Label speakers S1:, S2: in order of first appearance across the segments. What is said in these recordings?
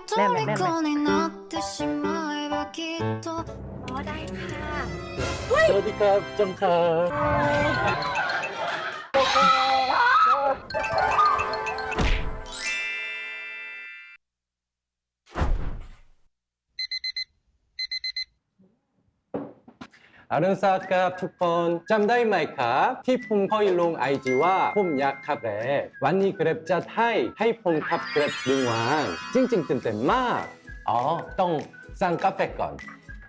S1: แน่นไหมแน่นไหม
S2: 虜になってしまえばきっと
S3: อ๋อได้ค่ะ
S4: สวัสดีครับจังครับ อรุณสวัสดิ์ครับทุกคนจำได้ไหมครับที่ผมเคยลงไอจีว่าผมอยากขับแกร็บวันนี้แกร็บจะให้ผมขับแกร็บหนึ่งวันจริงๆตื่นเต้นมากอ๋อต้องสั่งกาแฟก่อน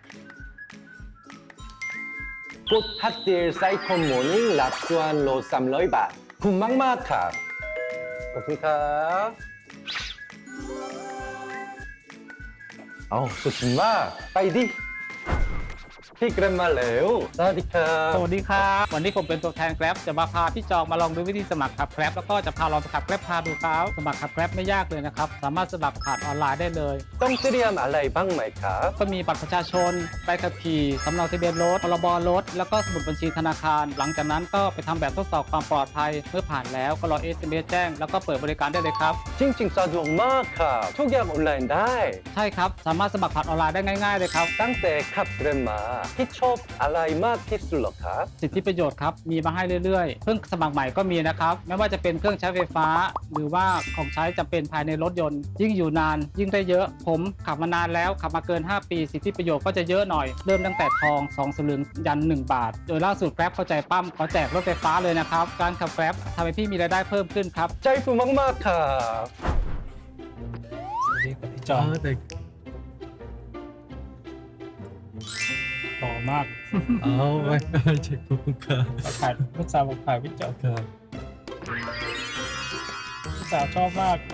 S4: กดฮัตเตอร์ไซคอมมอร์นิ่งรับส่วนลด300 บาทคุ้มมากๆครับขอบคุณครับอ๋อสุดมากไปดิพี่แกร็บมาแล้วสวัสดีครับ
S1: สวัสดีครับวันนี้ผมเป็นตัวแทนแกร็บจะมาพาพี่จองมาลองดูวิธีสมัครขับแกร็บแล้วก็จะพาลองขับแกร็บพาดูครับสมัครขับแกร็บไม่ยากเลยนะครับสามารถสมัครผ่านออนไลน์ได้เลย
S4: ต้องเตรียมอะไรบ้างไหมครับ
S1: ก็มีบัตรประชาชนใบขับขี่สำเนาทะเบียนรถพรบรถแล้วก็สมุดบัญชีธนาคาร หลังจากนั้นก็ไปทำแบบทดสอบความปลอดภัยเมื่อผ่านแล้วก็รอ SMS แจ้งแล้วก็เปิดบริการได้เลยครับ
S4: จริงๆสะดวกมากครับทุกอย่างออนไลน์ได้
S1: ใช่ครับสามารถสมัครผ่านออนไลน์ได้ง่ายๆเลยครับ
S4: ตั้งแต่ขับแกร็บมาที่ชอบอะไรมากที่สุดเหรอครับ
S1: สิทธิประโยชน์ครับมีมาให้เรื่อยๆเพิ่งสมัครใหม่ก็มีนะครับไม่ว่าจะเป็นเครื่องใช้ไฟฟ้า หรือว่าของใช้จำเป็นภายในรถยนต์ ยิ่งอยู่นานยิ่งได้เยอะผมขับมานานแล้วขับมาเกิน 5 ปี สิทธิประโยชน์ก็จะเยอะหน่อยเริ่มตั้งแต่ทอง2 สลึงยัน 1 บาท โดยล่าสุดแกร็บเข้าใจปั้มขอแจกรถไฟฟ้าเลยนะครับการขับแกร็บทำให้พี่มีรายได้เพิ่มขึ้นครับ
S4: ใจฟูมากๆครับ
S1: พี่จองต่อมาก
S4: เอาไว้เช็คคุณครับ
S1: ขายลูกสาวบอกขายพี่จองลูกสาวชอบมาก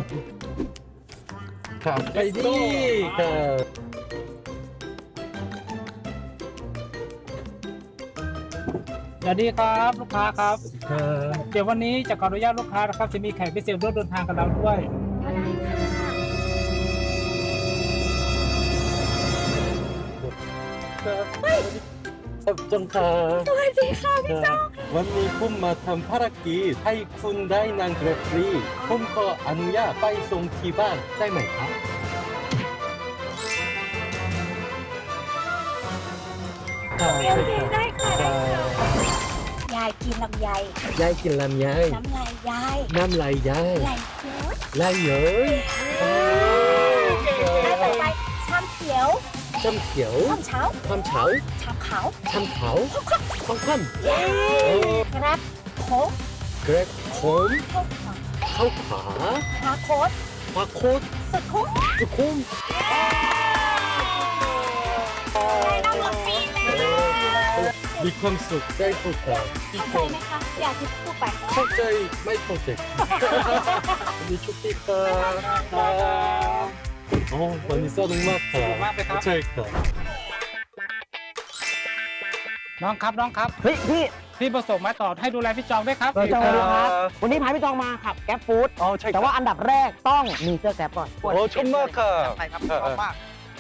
S4: ครับไปดิครับ
S1: สวัสดีครับลูกค้าครับ
S4: ครับ
S1: เดี๋ยววันนี้จะขออนุญาตลูกค้านะครับจะมีแขกพิเศษร่วมเดินทางกับเราด้วย
S3: อ๋อได้ค่ะ
S4: ครับจังครับ
S3: สวัสดีค่ะพี่จอง
S4: วันนี้ผมมาทำภารกิจให้คุณได้นั่งแกร็บฟรีผมขออนุญาตไปส่งที่บ้านได้ไหมครับ
S3: โอเคได้ค่ะได้ค่ะยายกินลำไย
S4: ยายกินลำไย
S3: น้ำลายยาย
S4: น้ำลายยาย
S3: ไหลเยอะ
S4: ลายเยอะ
S3: ได้ต่อไปชามเขียว
S4: ช้ำเขียว
S3: ชามเช้า
S4: ความเฉา
S3: ชามขาว
S4: ช้ำขาวความคว่
S3: กระบโค้ก
S4: ำเกร็บขม
S3: เข้าขวา
S4: เข้าขา
S3: พาโค้ด
S4: ปลาโคตร
S3: สุดคุ้ม
S4: สุขุม
S3: ได้น้ำหมดปีเลย
S4: มีความสุขได้ทุกครั้งที่
S3: เข้า
S4: ค
S3: ใจ
S4: น
S3: ไหมคะอยากที่พูดไป
S4: เข้าใจไม่เข้าใจมีชุดที่ครับโอ้วันนี้สนุกมากครั
S1: สนุ
S4: บ
S1: กมากไหมครับ
S4: ใช่ครับ
S1: น้องครับ
S5: เฮ้ยพี่
S1: พี่ประสงค์มาต่อให้ดูแลพี่จองด้วยครับ
S5: พี่จองครับวันนี้พาพี่จองมาขับแก๊ปฟู้ด
S4: อ๋อใช่
S5: แต่ว่าอันดับแรกต้องมีเสื้อแก๊ปก่อน
S4: โอ้ชมมากครับ
S5: ใช่ครับชอบมาก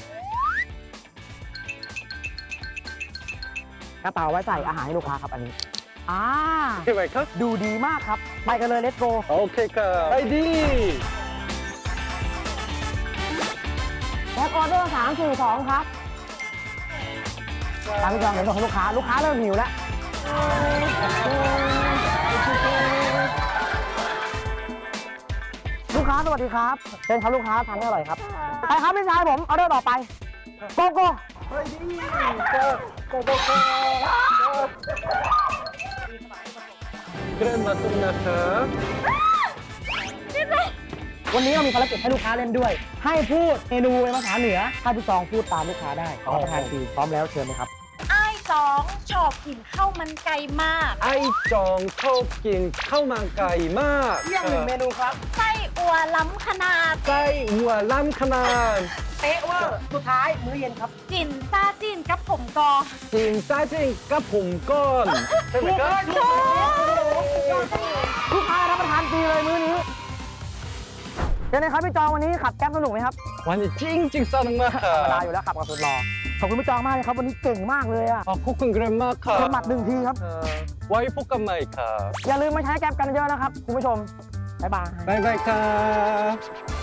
S5: กระเป๋าไว้ใส่อาหารให้ลูกค้าครับอันนี้
S4: ใช่ไหมครับ
S5: ดูดีมากครับไปกันเลยเลตโก
S4: โอเคครับไปดี
S5: แก๊ปออเดอร์342ครับตามพี่จองเห็นบอกให้ลูกค้าเริ่มหิวแล้วลูกค้าสวัสดีครับเชิญครับลูกค้าทานให้อร่อยครับไปครับพี่ชายผมออเดอร์ต่อไปโกโก้
S4: ไปดีครับโกโก้ครับเกรนมาตุนนะครับ
S5: วันนี้เรามีภารกิจให้ลูกค้าเล่นด้วย ให้พูดเมนูเป็นภาษาเหนือถ้าพี่จองพูดตามลูกค้าได้ขอประทานฟรีพร้อมแล้วเชิญเลยครับ
S3: ไอ้สองชอบกินข้าวมันไก่มาก
S4: ไอจองชอบกินข้าวมันไก่มาก
S5: เยี่ยมหนึ่งเมนูครับ
S3: ไส้อัวล้ำขนาด
S4: ไส้หัวล้ำขนาด
S5: เป๊ะเวอร์สุดท้ายมื้อเย็นครับ
S3: กินซาจิ้นกับผมกอ
S4: จิงซ่าจิงกับผมก้อนใช่ไหมครับ
S5: ลูกค้ารับประทานฟรีเลยมื้อนี้เป็นไงครับพี่จองวันนี้ขับแก๊ปสนุกไหมครับ
S4: วันนี้จริงสนุกมากค
S5: ธ
S4: รั
S5: รรมดา
S4: บ
S5: อยู่แล้วขับกับสุดรอขอบคุณพี่จองมากเลยครับวันนี้เก่งมากเลยอะ
S4: ขอบคุณเกรนมากครับ
S5: เชิญหมัดหนึ่งทีครับ
S4: ไว้พบกันใหม่ครับ
S5: อย่าลืมมาใช้แก๊ปกันเยอะนะครับคุณผู้ชมบ๊ายบาย
S4: บ๊ายบายครับ